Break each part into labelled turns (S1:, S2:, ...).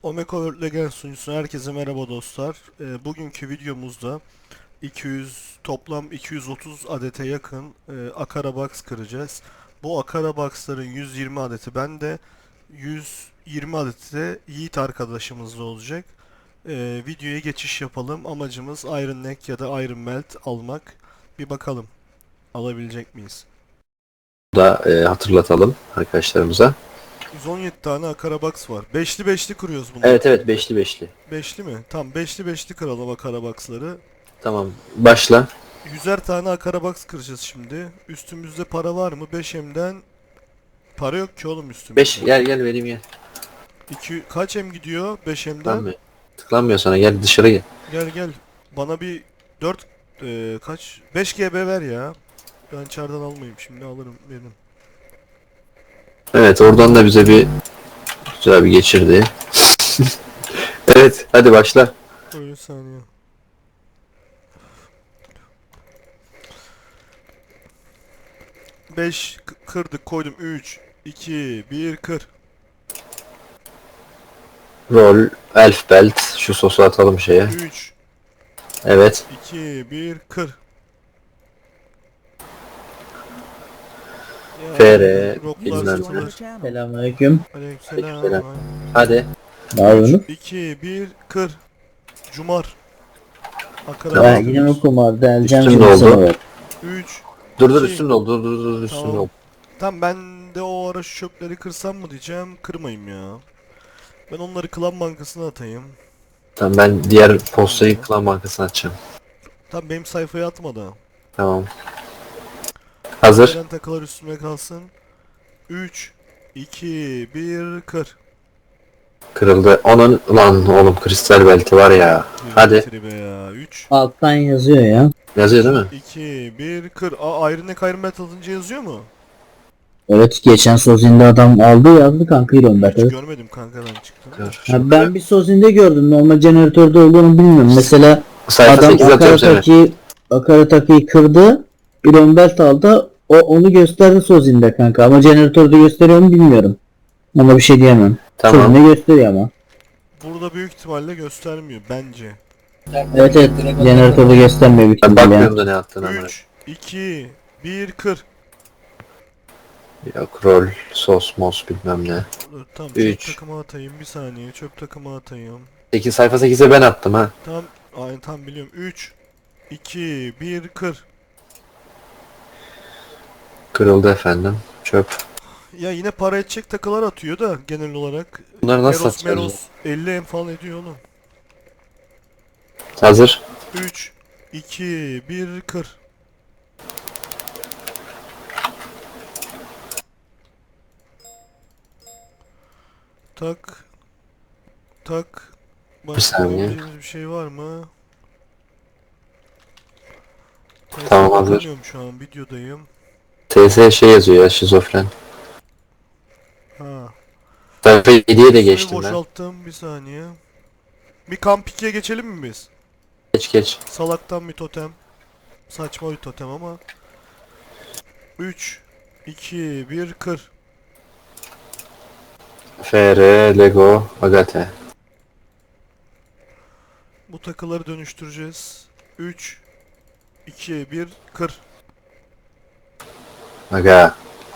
S1: Omega World Legends sunucusuna herkese merhaba dostlar. Bugünkü videomuzda toplam 230 adete yakın Akara Box kıracağız. Bu Akara Box'ların 120 adeti bende, 120 adeti de Yiğit arkadaşımızda olacak. Videoya geçiş yapalım. Amacımız Iron Neck ya da Iron Melt almak. Bir bakalım alabilecek miyiz?
S2: Da hatırlatalım arkadaşlarımıza.
S1: 117 tane Akara Box var. Beşli beşli kırıyoruz bunları.
S2: Evet evet, beşli beşli.
S1: Beşli mi? Tamam, beşli beşli kıralım Akara Box'ları.
S2: Tamam, başla.
S1: 100'er tane Akarabox kıracağız şimdi. Üstümüzde para var mı? 5M'den para yok ki oğlum
S2: 5
S1: üstümüzde.
S2: gel gel vereyim gel.
S1: Kaç M gidiyor 5M'den?
S2: Tıklanmıyor. Tıklanmıyor sana, gel dışarı gel.
S1: Gel gel. Bana bir 4 kaç? 5 GB ver ya. Ben çardan almayayım şimdi, alırım benim.
S2: Evet, oradan da bize bir güzel bir geçirdi. Evet, hadi başla.
S1: Dur bir saniye. Beş kırdık, koydum. 3 2 1 kır.
S2: Roll, elf belt. Şu sosu atalım şeye.
S1: 3
S2: Evet.
S1: 2 1 kır. Ya
S2: FR
S1: roklar
S2: bilmem.
S1: satılır.
S3: Selamünaleyküm.
S1: Aleykümselam.
S2: Hadi.
S3: Ne yapıyorsunuz?
S1: 2 1 kır. Cumar. Akara
S2: Tamam.
S3: Ben yine okum var. Deleceğim
S2: Üstüm
S3: şimdi
S2: doldu.
S3: sana ver.
S1: 3
S2: Dur dur,
S1: 2
S2: üstüm doldu. Dur üstüm
S1: Tamam.
S2: doldu.
S1: Tamam, ben de o ara şu çöpleri kırsam mı diyeceğim. Kırmayayım ya. Ben onları klan bankasına atayım.
S2: Tamam, ben diğer postayı klan bankasına açacağım.
S1: Tamam, benim sayfaya atma da.
S2: Tamam. Hazır.
S1: Gelen takılar üstüme kalsın. 3 2 1 kır.
S2: Kırıldı. Onun lan oğlum, kristal belti var ya. Hadi.
S1: Tribe ya. 3
S3: Alttan yazıyor ya.
S2: Yazıyor değil mi?
S1: 2 1 kır. Aa, Iron Neck Iron Metal atınca yazıyor mu?
S3: Evet, geçen Sozin'de adam aldı yazdı kanka İron
S1: Hiç
S3: Battle.
S1: görmedim, kankadan çıktı.
S2: Dur.
S3: Ha, ben bir Sozin'de gördüm. Normal jeneratörde olduğunu bilmiyorum. Mesela
S2: Sayfa
S3: adam
S2: 8 atıyorum seni.
S3: Akarataki kırdı. İron Belt aldı. Onu gösterdi Sozin'de kanka. Ama jeneratörde gösteriyor mu bilmiyorum. Ona bir şey diyemem.
S2: Tamam.
S3: Sozin'de gösteriyor ama.
S1: Burada büyük ihtimalle göstermiyor bence.
S3: Evet evet. Jeneratörde göstermiyor büyük
S2: Ben
S3: ihtimalle ya.
S2: bakmıyorum da ne attığını ama.
S1: 3 2 1 kır.
S2: Yok, rol, sos, mos bilmem ne.
S1: Dur, tamam,
S2: Üç.
S1: çöp takımı atayım bir saniye, çöp takımı atayım.
S2: 8 sayfa 8'e ben attım ha.
S1: Tamam, aynı tam biliyorum. 3 2 1 kır.
S2: Kırıldı efendim. Çöp.
S1: Ya yine para edecek takılar atıyor da genel olarak.
S2: Bunları nasıl
S1: Eros
S2: satacağız?
S1: Meros 50 en falan ediyor oğlum.
S2: Hazır.
S1: 3 2 1 kır. Tak tak. Başka
S2: saniye.
S1: yapabileceğimiz bir şey var mı?
S2: Tamam, hazır.
S1: Bakamıyorum, şu an videodayım.
S2: TS şey yazıyor ya, şizofren.
S1: Ha.
S2: Sayfa 7'ye de
S1: Suyu
S2: geçtim ben.
S1: boşalttım bir saniye. Bir kamp 2'ye geçelim mi biz?
S2: Geç geç.
S1: Salaktan bir totem. Saçma bir totem ama. 3 2 1 kır.
S2: FR, Lego, Agate.
S1: Bu takıları dönüştüreceğiz. 3 2 1 kır.
S2: Aga.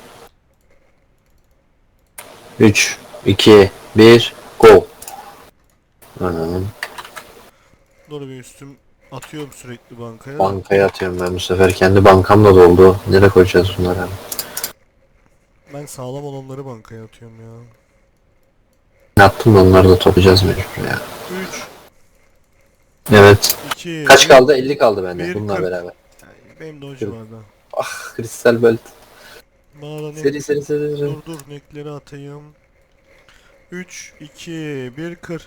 S2: 3, 2, 1, go. Anam.
S1: Doğru, bir üstüm atıyorum sürekli bankaya.
S2: Bankaya atıyorum ben bu sefer. Kendi bankam da doldu. Nereye koyacağız bunları?
S1: Ben sağlam olanları bankaya atıyorum ya.
S2: Ne yaptım da onları da toplayacağız mecbur ya.
S1: 3
S2: Evet.
S1: 2
S2: Kaç kaldı? 50 kaldı bende bununla
S1: 40.
S2: beraber.
S1: Benim de o civarda.
S2: Ah, kristal belt.
S1: Bana da ne?
S2: Seri seri seri.
S1: Dur dur, nekleri atayım. 3 2 1 kır.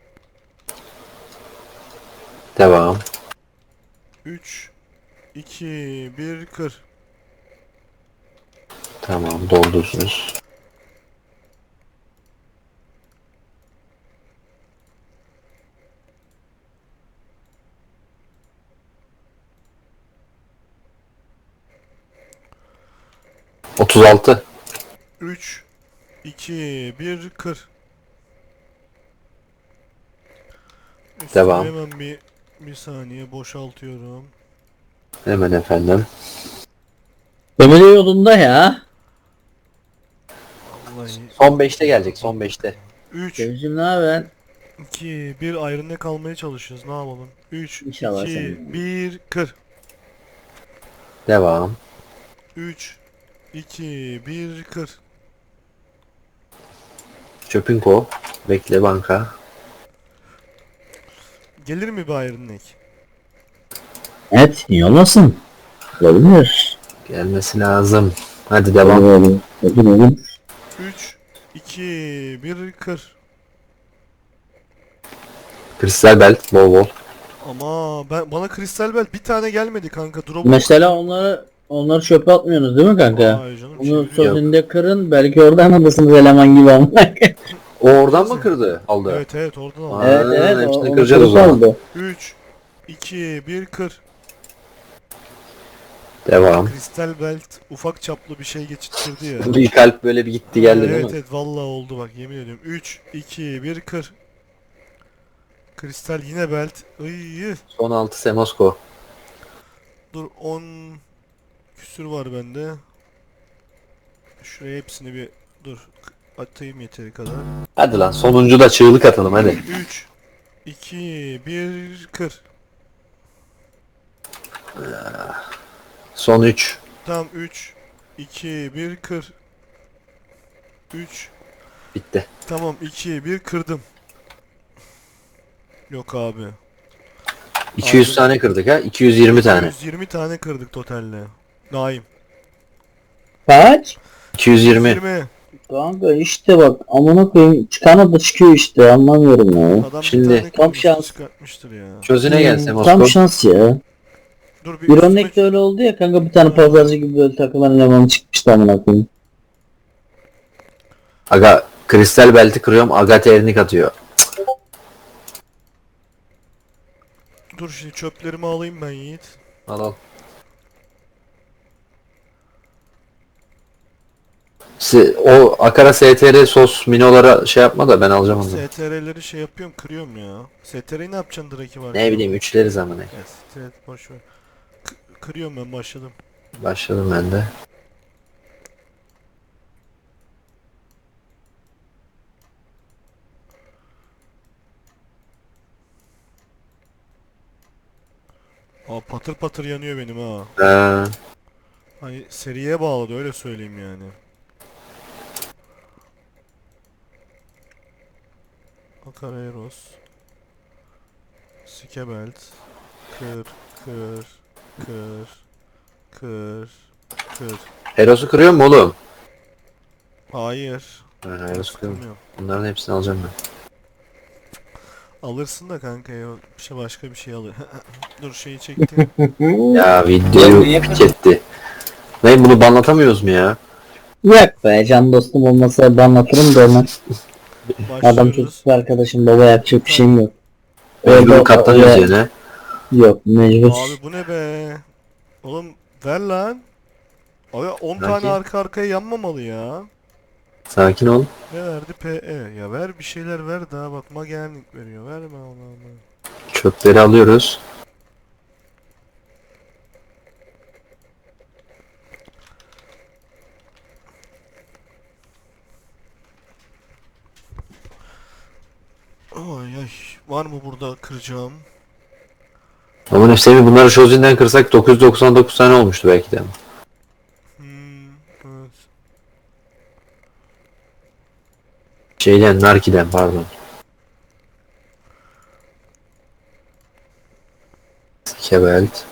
S2: Devam.
S1: 3 2 1 kır.
S2: Tamam, doldursunuz. ...36.
S1: 3 2 1 kır. Üstünü
S2: Devam.
S1: hemen bir saniye boşaltıyorum.
S2: Hemen efendim.
S3: Ömrü yolunda ya.
S1: Vallahi.
S2: Son 5'te gelecek, son 5'te.
S1: 3,
S3: Sevcim ne haber?
S1: 2, 1 Iron Neck almaya çalışıyoruz. Ne yapalım? 3,
S3: İnşallah
S1: 2,
S3: sen.
S1: 1 kır.
S2: Devam.
S1: 3, 2, 1 kır.
S2: Çöpün ko. Bekle banka.
S1: Gelir mi bir Iron Neck?
S3: Evet, iyi olmasın. Olabilir.
S2: Gelmesi lazım. Hadi devam.
S3: Olur.
S1: 3, 2, 1 kır.
S2: Kristal belt bol bol.
S1: Ama bana kristal belt bir tane gelmedi kanka. Drop'u
S3: Mesela onları çöpe atmıyorsunuz değil mi kanka?
S1: Ay canım
S3: Onu
S1: çeviriyor.
S3: sözünde kırın, belki oradan alırsınız eleman gibi ama.
S2: O oradan mı kırdı? Aldı.
S1: Evet evet oradan aldım.
S2: Aa,
S3: Evet,
S2: hepsini
S3: onu
S2: kıracağız o
S3: kırıp
S2: zaman.
S3: aldı.
S1: 3, 2, 1 kır.
S2: Devam.
S1: Kristal belt ufak çaplı bir şey geçirtirdi ya.
S2: Bir kalp böyle bir gitti geldi değil
S1: Evet
S2: mi?
S1: evet vallahi oldu bak yemin ediyorum. 3, 2, 1 kır. Kristal yine belt. Iy,
S2: Son 6 Semosko.
S1: dur 10 küsür var bende. Şuraya hepsini bir dur atayım yeteri kadar.
S2: Hadi lan sonuncu da çığlık atalım hadi.
S1: 3, 2, 1 kır.
S2: Son 3.
S1: Tam 3, 2, 1 kır. 3,
S2: Bitti.
S1: tamam 2, 1 kırdım. Yok abi.
S2: 200
S1: Abi.
S2: tane kırdık ha. 220 tane.
S1: 120 tane kırdık totalle. Naim.
S3: Kaç?
S2: 220.
S1: 120.
S3: Kanka işte bak amına koyayım çıkan da çıkıyor işte anlamıyorum ya.
S1: Adam
S2: Şimdi
S1: bir tane
S3: tam
S1: kırmızı
S3: şans.
S1: çıkartmıştır ya.
S2: Çözüne gel
S3: Tam
S2: Semosko.
S3: şans ya.
S1: Dur bir
S3: Ironic'te öyle oldu ya kanka bir tane pazarcı gibi böyle takılan eleman çıkmıştı amına koyayım.
S2: Aga kristal belti kırıyorum. Aga ternik atıyor.
S1: Dur şimdi çöplerimi alayım ben Yiğit.
S2: Al al. O Akara STR sos minolara şey yapma da ben alacağım onu.
S1: STR'leri şey yapıyorum kırıyorum ya. STR'yi ne yapacaksın Draki var?
S2: Ne bileyim üçleri zamanı.
S1: Evet STR boş ver. Kırıyorum ben başladım.
S2: Başladım ben de.
S1: Aa patır patır yanıyor benim ha.
S2: Ee,
S1: Hani seriye bağladı öyle söyleyeyim yani. Akareros. Sikebelt. Kır, kır, kır, kır, kır.
S2: Heros'u kırıyor mu oğlum?
S1: Hayır.
S2: Heros'u kırıyorum.
S1: Kırmıyorum.
S2: Bunların hepsini alacağım ben.
S1: Alırsın da kanka ya. Bir şey başka bir şey alır. Dur şeyi çektim.
S2: Ya videoyu piketti. Ne bunu banlatamıyoruz mu ya?
S3: Yok be can dostum olmasa ben anlatırım da ona. Adam
S1: Başlıyoruz.
S3: çocuk arkadaşım baba yapacak bir şeyim yok.
S2: Mecbur katlanıyoruz yine.
S3: Yok mecbur.
S1: Abi bu ne be? Oğlum ver lan. Abi 10
S2: Sakin.
S1: tane arka arkaya yanmamalı ya.
S2: Sakin ol.
S1: Ne verdi? PE. Ya ver bir şeyler ver daha bak Magenlik veriyor. Verme Allah'ım.
S2: Çöpleri alıyoruz.
S1: Ay ay. Var mı burada kıracağım?
S2: Ama nefsemi bunları Shozin'den kırsak 999 tane olmuştu belki de.
S1: Evet.
S2: Şeyden, Narki'den pardon. Kebelt.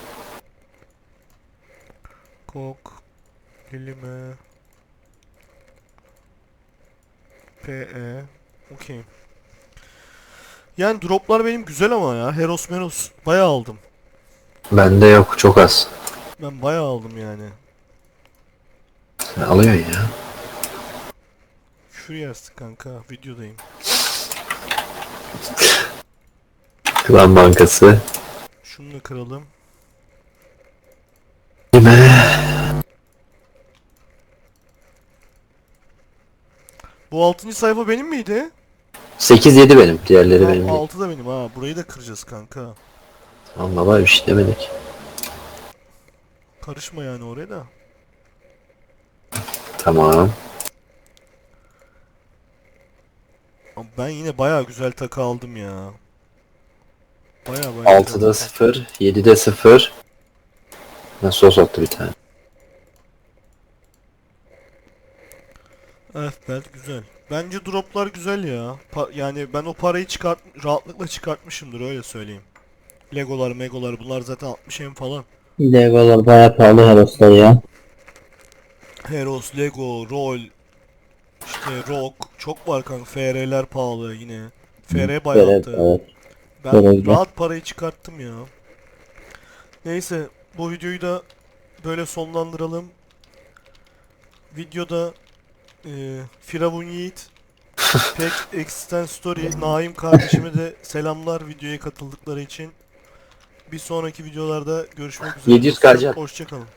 S1: Kok. Lilime. PE. Okey. Yani droplar benim güzel ama ya. Heros Meros. Bayağı aldım.
S2: Bende yok çok az.
S1: Ben bayağı aldım yani.
S2: Sen alıyorsun ya.
S1: Küfür yersin kanka. Videodayım.
S2: Klan Bankası.
S1: Şunu da kıralım.
S2: Kime?
S1: Bu 6. sayfa benim miydi?
S2: 8-7 benim. Diğerleri benim değil.
S1: 6 da benim ha. Burayı da kıracağız kanka.
S2: Allah var bir şey demedik.
S1: Karışma yani oraya da.
S2: Tamam.
S1: Ama ben yine bayağı güzel takı aldım ya. Bayağı güzel
S2: 6'da
S1: takı.
S2: 0. 7'de 0. Nasıl olsa attı bir tane.
S1: Evet belki güzel. Bence droplar güzel ya. Yani ben o parayı rahatlıkla çıkartmışımdır öyle söyleyeyim. Legolar, Megolar bunlar zaten 60 M falan.
S3: Legolar bayağı pahalı Heros'lar ya.
S1: Heros, Lego, Roll, işte Rock çok var kanka. FR'ler pahalı yine. FR bayağı
S3: Evet,
S1: arttı.
S3: evet.
S1: Ben
S3: Öyle.
S1: rahat parayı çıkarttım ya. Neyse bu videoyu da böyle sonlandıralım. Videoda Firavun Yiğit, Pek Extend Story, Naim kardeşime de selamlar videoya katıldıkları için. Bir sonraki videolarda görüşmek üzere
S2: 700
S1: dostlar.
S2: kalacak.
S1: Hoşça kalın.